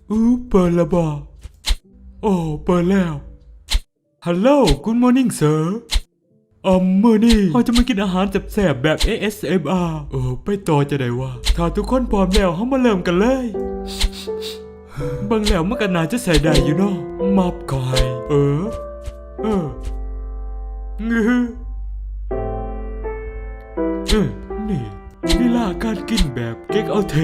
เปิดแล้วบ่โอ้เปิดแล้วฮัลโหลGood morning sirมื้อนี้เราจะมากินอาหารแซ่บๆแบบ ASMR ไปต่อจะได้วะถ้าทุกคนพร้อมแล้วเรามาเริ่มกันเลยบางแล้วมันก็น่าจะใส่ได้อยู่เนาะมับก่อยงือนี่ลีลาการกินแบบเก๊กเอาเท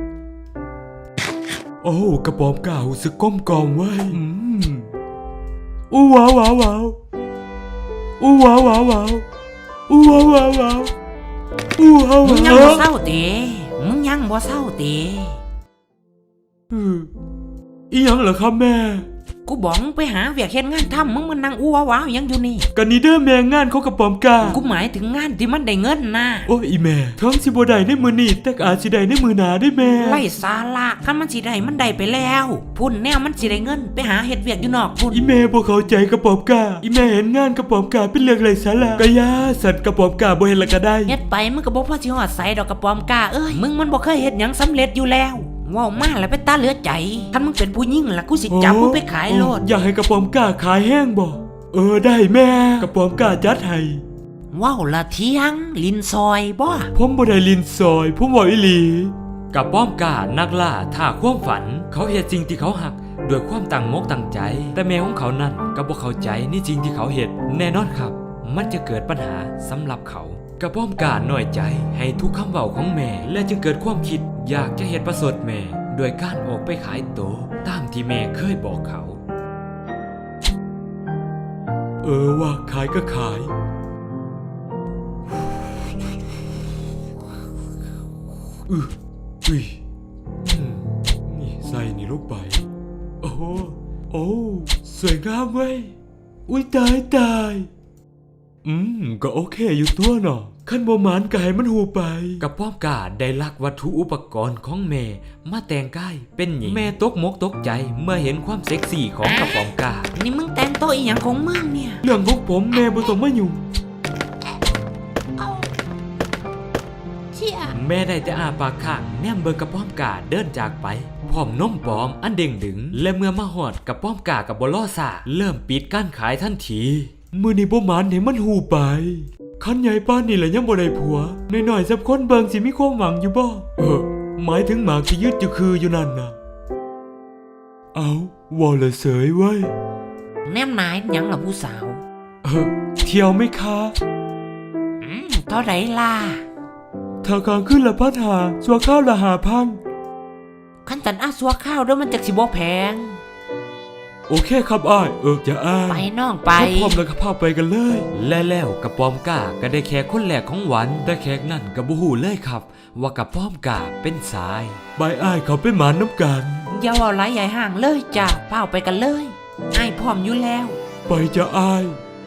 โอ้กระป๋อมก่าหูสึกก้มกอมไว้อู้ว้าวว้าวว้าวอู้ว้าวว้าวว้าวอู้ว้าวว้าวว้าวอู้ว้าวมึงยังบ่เศร้าเต๋มึงยังบ่เศร้าเต๋อีหยังเหรอครับแม่กูบอกมึงไปหาเวียกเฮ็ดงานทำมึงมานั่งอู้ว้าวยังอยู่นี่กันนี่เด้อแม่งานเขากระป๋อมกากูหมายถึงงานที่มันได้เงินนะโอ้อีแม่ทั้งสิบ่ได้ในมือนี้แต่อาจสิได้ในมือหน้าได้แม่ไร้สาระคันมันสิได้มันได้ไปแล้วพุ่นแนวมันสิได้เงินไปหาเฮ็ดเวียกอยู่นอกพุ่นอีแม่บ่เข้าใจกระป๋อมกาอีแม่เห็นงานกระป๋อมกาเป็นเรื่องไร้สาระกะยาสัตว์กระป๋อมกาบ่เห็นละก็ได้เฮ็ดไปมึงก็บ่พอสิฮอดไสดอกกระป๋อมกาเอ้ยมึงมันบ่เคยเฮ็ดหยังสำเร็จอยู่แล้วว้าวมาแล้วไปตาเหลือใจคันมึงเป็นผู้หญิงล่ะกูสิจับมึงไปขายโลดอยากให้กระป๋อมกาขายแห้งบ่ได้แม่กระป๋อมกาจัดให้ว้าวละเที่ยงลินซอยบ่ผมบ่ได้ลินซอยผมบอกอีหลีกระป๋อมกานักล่าท่าความฝันเขาเฮ็ดสิ่งที่เขาหักด้วยความตั้งมกตั้งใจแต่แม่ของเขานั้นก็บ่เข้าใจในสิ่งที่เขาเฮ็ดแน่นอนครับมันจะเกิดปัญหาสำหรับเขากระป๋อมกาน้อยใจให้ทุกคำเว้าของแม่และจึงเกิดความคิดอยากจะเฮ็ดประสดแม่โดยการออกไปขายโตตามที่แม่เคยบอกเขาว่าขายก็ขายนี่ใส่นี่ลงไปโอ้สวยงามเว้ยอุ้ยตายก็โอเคอยู่ตัวเนาะขั้นบ่หมานก็ให้มันหูไปกระป๋อมกาได้ลักวัตถุอุปกรณ์ของแม่มาแต่งกายเป็นหญิงแม่ตกมกตกใจเมื่อเห็นความเซ็กซี่ของกระป๋อมกานี่มึงแต่งตัวอีหยังของมึงเนี่ยเรื่องของผมแม่บ่ต้องมายุ่งแม่ได้แต่อาปากข้างแนมเบิ่งกระป๋อมกาเดินจากไปพร้อมนมปลอมอันเด้งดึงและเมื่อมาฮอดกระป๋อมกากับบ่รอซ่าเริ่มปิดการขายทันทีมื้อนี้บ่หมานให้มันหูไปคันใหญ่ป้านนี่แหละยังบ่ได้ผัวน้อยๆสักคนเบิ่งสิมีความหวังอยู่บ่หมายถึงหมากที่ยึดอยู่นั่นน่ะว่าละเสยเว้ยแนมนายหยังล่ะผู้สาวเที่ยวไหมคะเท่าไหร่ล่ะถ้ากลางขึ้นละ1,500สัวข้าวละ5,000 คันตันสัวข้าวเด้อมันจักสิบ่แพงโอเคครับอ้ายอย่าอ้ายไปน้องไปพร้อมแล้วก็พาไปกันเลยและแล้วกระป๋อมกาก็ได้แขกคนแรกของวันแต่แขกนั่นก็บ่ฮู้เลยครับว่ากระป๋อมกาเป็นสายบายอ้ายเขาเป็นหมาน้ำกันอย่าว่าหลายใหญ่ห่างเลยจ้ะพาไปกันเลยอ้ายพร้อมอยู่แล้วไปจะอ้าย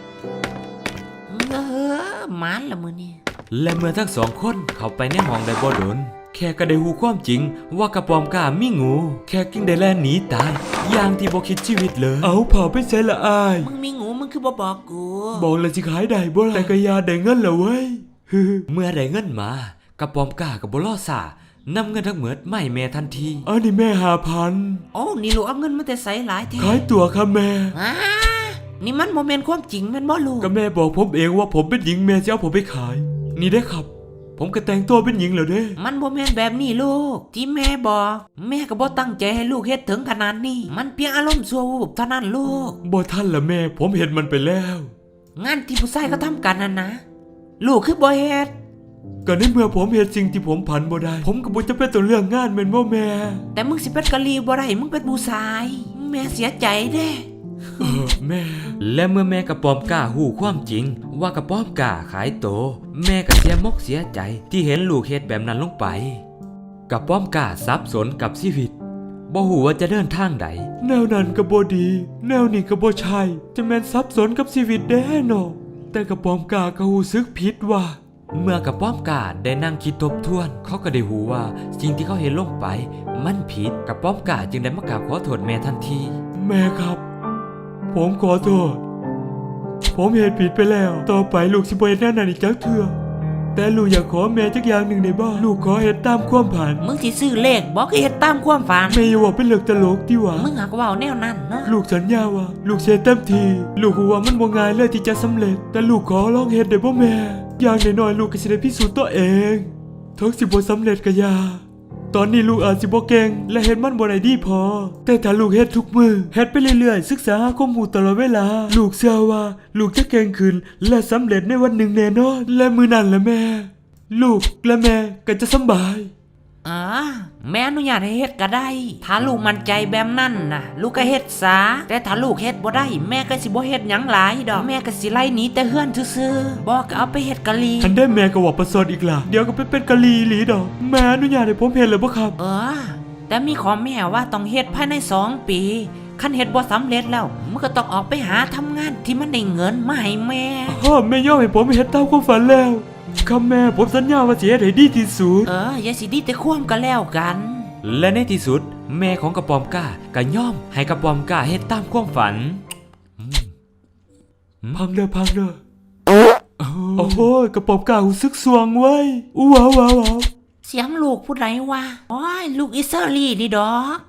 หมานละมื้อนี้และเมื่อทั้งสองคนเข้าไปในห้องได้บ่โดนแขกก็ได้ฮู้ความจริงว่ากระป๋อมกามีงูแขกจึงได้แล่นหนีตายอย่างที่บ่คิดชีวิตเลยเผาไปใส่ละอ้ายมึงมีงูมึงคือบ่บอกกูบอกแล้วสิขายได้บ่ล่ะแต่ก็อย่าได้เงินละเว้ยเมื่อได้เงินมากระป๋อมกาก็บ่รอซ่านำเงินทั้งหมดมาให้แม่ทันทีนี่แม่5,000 โอ้นี่ลูกเอาเงินมาแต่ไสหลายแท้ขายตัวครับแม่นี่มันบ่แม่นความจริงแม่นบ่ลูกก็แม่บอกผมเองว่าผมเป็นหญิงแม่จะเอาผมไปขายนี่ได้ครับผมก็แต่งตัวเป็นหญิงแล้วเด้มันบ่แม่นแบบนี้ลูกที่แม่บอกแม่ก็บ่ตั้งใจให้ลูกเฮ็ดถึงขนาดนี้มันเพียงอารมณ์ชั่ววูบเท่านั้นลูกบ่ทันละแม่ผมเห็นมันไปแล้วงานที่ผู้ชายเขาทำกันนะลูกคือบ่เฮ็ดก็ในเมื่อผมเฮ็ดสิ่งที่ผมผันบ่ได้ผมก็บ่จะเป็นตัวเรื่องงานแม่นบ่แม่แต่มึงสิเป็นกะลีบ่ได้มึงเป็นผู้ชายแม่เสียใจเด้แม่และเมื่อแม่กระป๋อมกาหู้ความจริงว่ากระป๋อมกาขายโตแม่ก็เสียมกเสียใจที่เห็นลูกเฮ็ดแบบนั้นลงไปกระป๋อมกาสับสนกับชีวิตบ่ฮู้ว่าจะเดินทางใดแนวนั้นก็บ่ดีแนวนี้ก็บ่ใช่จะแม่นสับสนกับชีวิตแน่เนาะแต่กระป๋อมกาก็รู้สึกผิดว่าเมื่อกระป๋อมกาได้นั่งคิดทบทวนเขาก็ได้รู้ว่าสิ่งที่เขาเห็นลงไปมันผิดกระป๋อมกาจึงได้มากราบขอโทษแม่ทันทีแม่ครับผมขอโทษผมเห็นผิดไปแล้วต่อไปลูกสิบ่เฮ็ดแนวนั้นอีกจักเทื่อแต่ลูกอยากขอแม่จักอย่างหนึ่งในบ้านลูกขอเฮ็ดตามความฝันมึงสิซื้อเลขบอกให้เฮ็ดตามความฝันแม่อย่าว่าเป็นเรื่องตลกที่หว่ามึงหักเว้าแนวนั้นเนาะลูกสัญญาว่าลูกเสียเต็มทีลูกรู้ว่ามันบ่ง่ายเลยที่จะสำเร็จ แต่ลูกขอลองเฮ็ดได้บ่แม่อย่างน้อยๆลูกก็สิได้พิสูจน์ตัวเองถึงสิบ่สำเร็จก็อย่าตอนนี้ลูกอาจสิบ่เก่งและเฮ็ดมันบ่ได้ดีพอแต่ถ้าลูกเฮ็ดทุกมื้อเฮ็ดไปเรื่อยๆศึกษาหาข้อมูลตลอดเวลาลูกเชื่อว่าลูกจะเก่งขึ้นและสำเร็จในวันหนึ่งแน่นอนและมื้อนั้นล่ะแม่ลูกและแม่ก็จะสำบายแม่อนุญาตให้เฮ็ดก็ได้ถ้าลูกมั่นใจแบบนั้นน่ะลูกก็เฮ็ดซะแต่ถ้าลูกเฮ็ดบ่ได้แม่ก็สิบ่เฮ็ดหยังหลายดอกแม่ก็สิไล่หนีแต่เฮือนซื่อๆบ่ก็เอาไปเฮ็ดกะลีทันได้แม่ก็ว่าประเสริฐอีกล่ะเดี๋ยวก็ไปเป็นกะลีอีหลีดอกแม่อนุญาตให้ผมเฮ็ดเลยบ่ครับแต่มีขอแม่ว่าต้องเฮ็ดภายใน2 ปีคันเฮ็ดบ่สำเร็จแล้วมึงก็ต้องออกไปหาทำงานที่มันได้เงินมาให้แม่แม่ยอมให้ผมเฮ็ดตามความฝันแล้วครับแม่ผมสัญญาว่าจะเฮ็ดให้ดีที่สุดอย่าสิดีแต่ความก็แล้วกันและในที่สุดแม่ของกระป๋อมกล้าก็ยอมให้กระป๋อมกล้าเฮ็ดตามความฝันพังเด้อโอ้โหกระป๋อมกล้าหูซึกสวงไว้อู้ว้าวเสียงลูกผู้ใดวะโอ้ยลูกอิสราลีนี่ดอก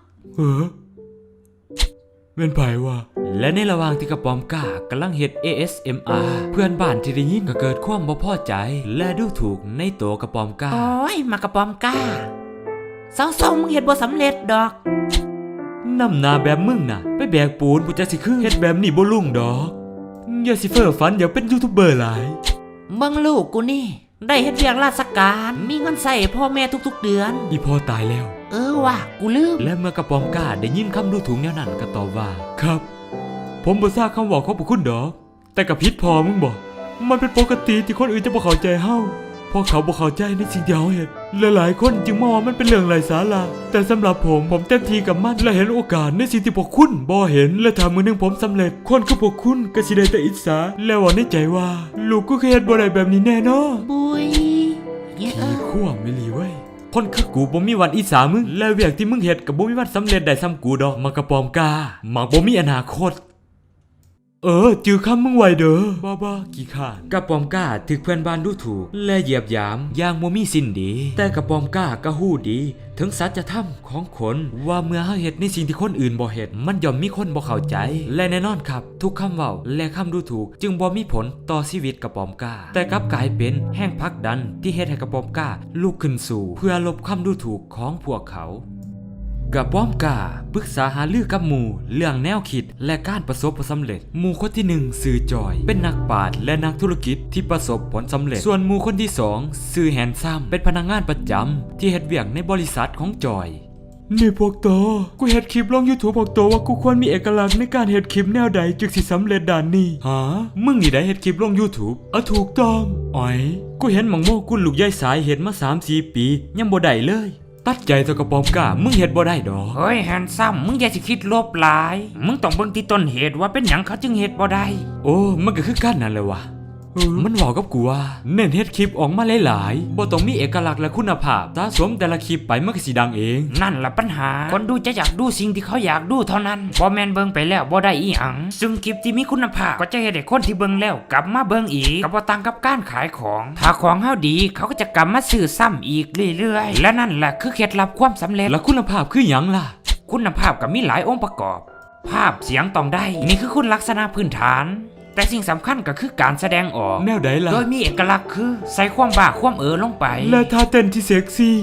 เป็นไผวะและในระหว่างที่กระป๋อมกล้ากำลังเฮ็ด ASMR เพื่อนบ้านที่ได้ยินก็เกิดความบ่พอใจและดูถูกในตัวกระป๋อมกล้าโอ้ยมากระป๋อมกล้าเศร้าๆมึงเฮ็ดบ่สำเร็จดอกน้ำหนาแบบมึงน่ะไปแบกปูนกูจะสิคือเฮ็ดแบบนี้บ่ลุ่งดอกอย่าสิเฟ้อฝันอยากเป็นยูทูบเบอร์หลายเบิ่งลูกกูนี่ได้เฮ็ดเวียกราชการมีเงินใส่พ่อแม่ทุกๆเดือนอีพ่อตายแล้วว่ะกูลืมและเมื่อกระป๋อมกล้าได้ยินคำดูถูกแนวนั้นก็ตอบว่าครับผมบ่ทราบคำบอกขอบคุณดอกแต่กับพิษพอมึงบอกมันเป็นปกติที่คนอื่นจะบ่เข้าใจเฮาเพราะเขาบ่เข้าใจในสิ่งที่เฮาเฮ็ดหลายๆคนจึงมองว่ามันเป็นเรื่องไร้สาระแต่สำหรับผมเต็มที่กับมันและเห็นโอกาสในสิ่งที่พวกคุณบ่เห็นและถ้ามื้อหนึงผมสำเร็จคนคือพวกคุณก็สิได้แต่อิจฉาและว่าในใจว่าลูกกูเคยเฮ็ดบ่ได้แบบนี้แน่นอนบุยเนี่ยขั้วไม่ลีเว้ยคนคือกูบ่มีวันอิจฉามึงและเวียกที่มึงเฮ็ดก็บ่มีวันสำเร็จได้ซ้ำกูดอกมากระป๋อมกล้ามักบ่มีอนาคตจือคำมึงไว้เด้อบ้ากี่ขาดกระป๋อมกล้าถึกเพื่อนบ้านดูถูกและเหยียบหยามอย่างบ่มีสิ้นดี แต่กระป๋อมกล้าก็ฮู้ดีถึงสัจธรรมของคนว่าเมื่อเฮาเฮ็ดในสิ่งที่คนอื่นบ่เฮ็ดมันย่อมมีคนบ่เข้าใจและแน่นอนครับทุกคำเว้าและคำดูถูกจึงบ่มีผลต่อชีวิตกระป๋อมกล้าแต่กลับกลายเป็นแห่งผลักดันที่เฮ็ดให้กระป๋อมกล้าลุกขึ้นสู่เพื่อลบคำดูถูกของพวกเขากระป๋อมกล้าปรึกษาหารือกับหมู่เรื่องแนวคิดและการประสบผลสำเร็จหมู่คนที่1ชื่อจอยเป็นนักปราชญ์และนักธุรกิจที่ประสบผลสำเร็จส่วนหมู่คนที่2ชื่อแฮนซัมเป็นพนักงานประจำที่เฮ็ดเวียกในบริษัทของจอยนี่พวกโตกูเฮ็ดคลิปลง YouTube พวกโตว่ากูควรมีเอกลักษณ์ในการเฮ็ดคลิปแนวใดจึงสิสำเร็จด้านนี้มึงนี่ได้เฮ็ดคลิปลง YouTube ถูกต้องอ๋อยกูเห็นหม่องโมกุลลูกยายสายเฮ็ดมา 3-4 ปียังบ่ได้เลยตัดใจตัวกระป๋อมกล้ามึงเฮ็ดบ่ได้ดอกเฮ้ยแฮนซัมมึงอย่าสิคิดลบหลายมึงต้องเบิ่งที่ต้นเหตุว่าเป็นหยังเขาจึงเฮ็ดบ่ได้โอ้มันก็คือกันนั่นแหละวะมันบอกกับกูว่าเน้นเฮ็ดคลิปออกมาหลายๆบ่ต้องมีเอกลักษณ์และคุณภาพสะสมแต่ละคลิปไปมันก็สิดังเองนั่นล่ะปัญหาคนดูจะอยากดูสิ่งที่เขาอยากดูเท่านั้นบ่แม่นเบิ่งไปแล้วบ่ได้อีหยังซึ่งคลิปที่มีคุณภาพก็จะเฮ็ดให้คนที่เบิ่งแล้วกลับมาเบิ่งอีกก็บ่ต่างกับการขายของถ้าของเฮาดีเขาก็จะกลับมาซื้อซ้ำอีกเรื่อยๆและนั่นแหละคือเคล็ดลับความสำเร็จแล้วคุณภาพคือหยังล่ะคุณภาพก็มีหลายองค์ประกอบ ภาพเสียงต้องได้นี่คือคุณลักษณะพื้นฐานแต่สิ่งสำคัญก็คือการแสดงออกแนวใดล่ะโดยมีเอกลักษณ์คือใส่ความบ้าความลงไปและท่าเต้นที่เซ็กซี่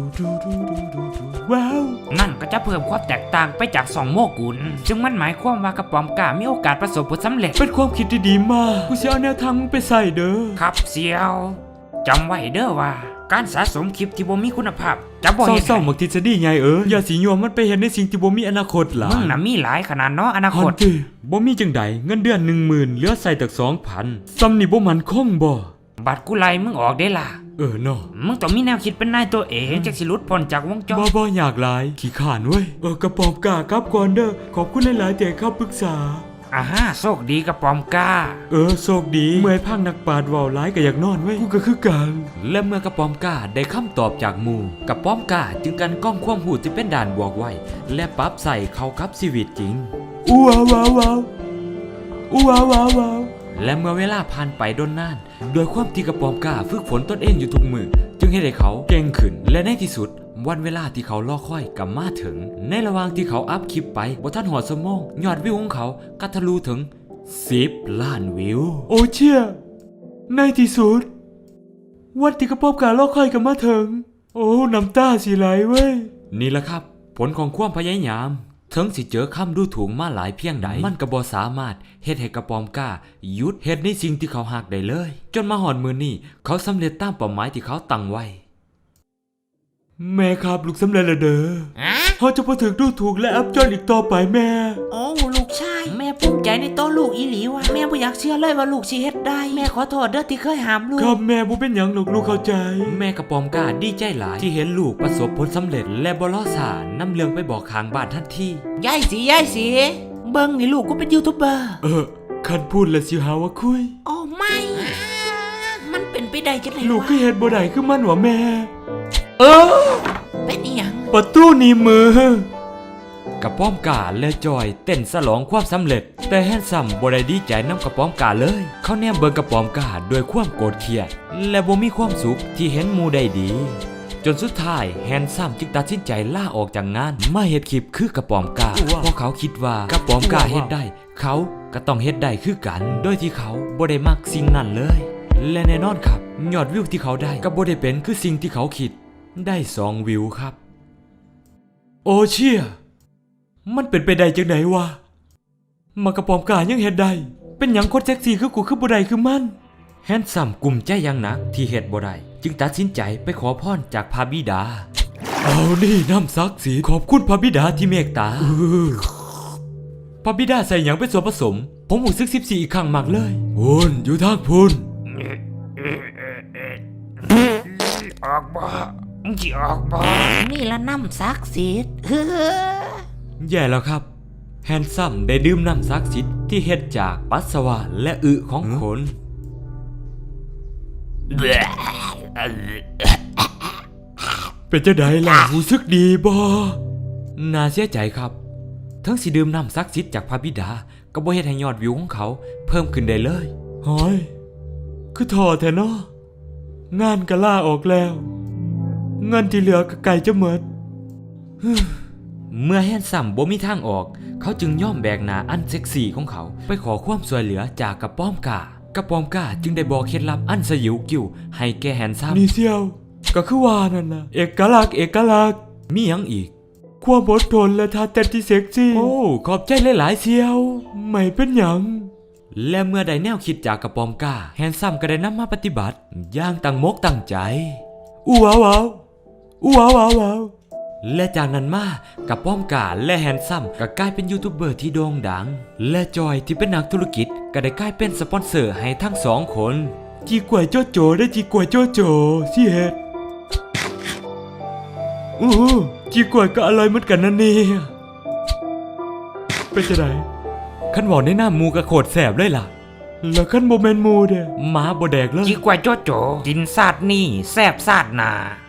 ว้าวนั่นก็จะเพิ่มความแตกต่างไปจากสองโมกุลซึ่งมันหมายความว่ากระป๋อมกล้ามีโอกาสประสบผลสำเร็จเป็นความคิดที่ดีมากกูจะเอาแนวทางมึงไปใส่เด้อครับเซียวจำไว้เด้อว่าการสะสมคลิปที่บ่มีคุณภาพจะบ่เฮ็ดเศร้าๆมักทฤษฎีไงอย่าสิโยมมันไปเห็นในสิ่งที่บ่มีอนาคตล่ะมึงน่ะมีหลายขนาดเนาะอนาคฮัตนติบ่มีจังใดเงินเดือน 10,000เหลือใส่ตัก 2,000ซ้ำนี่บ่มั่นคงบ่บัตรกูไล่มึงออกได้ล่ะเนาะมึงต้องมีแนวคิดเป็นนายตัวเองจักสิหลุดพ้นจากวงจรบ่อยากหลายขี้ข้านเว้ยกระป๋อมกล้ากลับก่อนเด้อขอบคุณหลายๆที่ให้คำปรึกษาโชคดีกระป๋อมกล้าโชคดีเมื่อยพังนักปราชญ์เว้าหลายก็อยากนอนเว้ยกูก็คือกันและเมื่อกระป๋อมกล้าได้คำตอบจากหมู่กระป๋อมกล้าจึงกันกล้องความหูที่เป็นด่านบวกไว้และปรับใส่เข้ากับชีวิตจริงอู้ว้าวว้าวว้าวอู้ว้าวว้าวว้าวและเมื่อเวลาผ่านไปโดนนานโดยความที่กระปอมกล้าฝึกฝนตนเองอยู่ทุกมือจึงให้ได้เขาเก่งขึ้นและในที่สุดวันเวลาที่เขารอคอยกับมาถึงในระหว่างที่เขาอัพคลิปไปบนท่านหัวสมองยอดวิวของเขาก็ทะลุถึง10 ล้านวิวโอเชี่ยในที่สุดวันที่กระป๋อมกาลอกค่อยกันมาถึงโอ้น้ำตาสิไหลเว้ยนี่แหละครับผลของความพยายามถึงสิเจอคำดูถูกมาหลายเพียงใดมันก็บ่สามารถเฮ็ดให้กระปอมกล้าหยุดเฮ็ดในสิ่งที่เขาหักได้เลยจนมาหอดมือนี้เขาสำเร็จตามเป้าหมายที่เขาตั้งไว้แม่ครับลูกสำเร็จแล้วเด้อฮะเขาจะพอถึงดูถูกและอับจนอีกต่อไปแม่โอ้ลูกชายแม่ภูมิใจในตัวลูกอีหลีว่ะแม่บ่อยากเชื่อเลยว่าลูกสิเฮ็ดได้แม่ขอโทษเด้อที่เคยห้ามลูกครับแม่บ่เป็นหยังหรอกลูกเข้าใจแม่กระปอมกล้าดีใจหลายที่เห็นลูกประสบผลสำเร็จและบ่ล้อสานำเรื่องไปบอกข้างบ้านทันทียายสิเบิ่งนี่ลูกกูเป็นยูทูบเบอร์คันพูดแล้วสิหาว่าคุยโอ้ไม่ มันเป็นไปได้จังได๋ลูกก็เฮ็ดบ่ได้คือมันว่าแม่เป็นอีหยังประตูหนีมือกระป้อมกาและจอยเต้นฉลองความสำเร็จแต่แฮนซัมบ่ได้ดีใจนำกระป้อมกาเลย เขาแนมเบิ่งกระป้อมกาด้วยความโกรธเคียดและบ่มีความสุขที่เห็นหมู่ได้ดี จนสุดท้ายแฮนซัมจึงตัดสินใจลาออกจากงานมาเฮ็ดคลิปคือกระป้อมกาเพราะเขาคิดว่ากระป้อมกาเฮ็ดได้ เขาก็ต้องเฮ็ดได้คือกันโดยที่เขาบ่ได้มักสิ่งนั้นเลย และแน่นอนครับยอดวิวที่เขาได้ก็บ่ได้เป็นคือสิ่งที่เขาคิดได้2 วิวครับโอเชี่ยมันเป็นไปได้จังไดวะมากระปอมกายังเฮ็ดได้เป็นหยังคนเซ็กซี่คือกูคือบ่ได้คือมันแฮนซัมกลุ่มใจอย่างหนักที่เฮ็ดบ่ได้จึงตัดสินใจไปขอพรจากพระบิดาเอานี่น้ำซักสีขอบคุณพระบิดาที่เมตตาพระบิดาใส่หยังเป็นส่วนผสม ผมรู้สึก14อีกครั้งมากเลยพุนอยู่ทางพุนออกบ่มึงสิออกบ่นี่ละน้ำศักดิ์สิทธิ์แย่แล้วครับแฮนซัมได้ดื่มน้ำศักดิ์สิทธิ์ที่เฮ็ดจากปัสสาวะและอึของคนเป็นจังไดล่ะรู้สึกดีบ่น่าเสียใจครับทั้งสิดื่มน้ำศักดิ์สิทธิ์จากพระบิดาก็บ่เฮ็ดให้ยอดวิวของเขาเพิ่มขึ้นได้เลยหอยคือท้อแท้เนาะงานก็ลาออกแล้วเงินที่เหลือก็ไกลจะหมดเมื่อแฮนซัมบ่มีทางออก เขาจึงย่อมแบกหน้าอันเซ็กซี่ของเขาไปขอความช่วยเหลือจากกระป้อมกากระป้อมกาจึงได้บอกเคล็ดลับอันสยิวกิ้วให้แก่แฮนซัมนี่เซียวก็คือว่านั่นล่ะเอกลักษณ์มีหยังอีกความอดทนและท่าเต้นที่เซ็กซี่โอ้ขอบใจหลายๆเสียวไม่เป็นหยังและเมื่อได้แนวคิดจากกระปอมกาแฮนซัมก็ได้นำมาปฏิบัติอย่างตั้งมกตั้งใจอู้ว้าวว้าวอู้ว้าวว้าวว้าวและจากนั้นมากระป้อมกาและแฮนซัมก็กลายเป็นยูทูบเบอร์ที่โด่งดัง และจอยที่เป็นนักธุรกิจก็ได้กลายเป็นสปอนเซอร์ให้ทั้งสองคนจีกวยโจโจได้จีกวยโจโจสิเฮ็ดจีกวยก็อร่อยเหมือนกันนะเนี่ยเป็นจังไดขันบอกในหน้ามูกระโคดแสบเลยล่ะแล้วคันบ่แม่นหมู่เด้หมาบ่แดกเลยจิกว่าโจโจกินซาดนี่แซ่บซาดหนา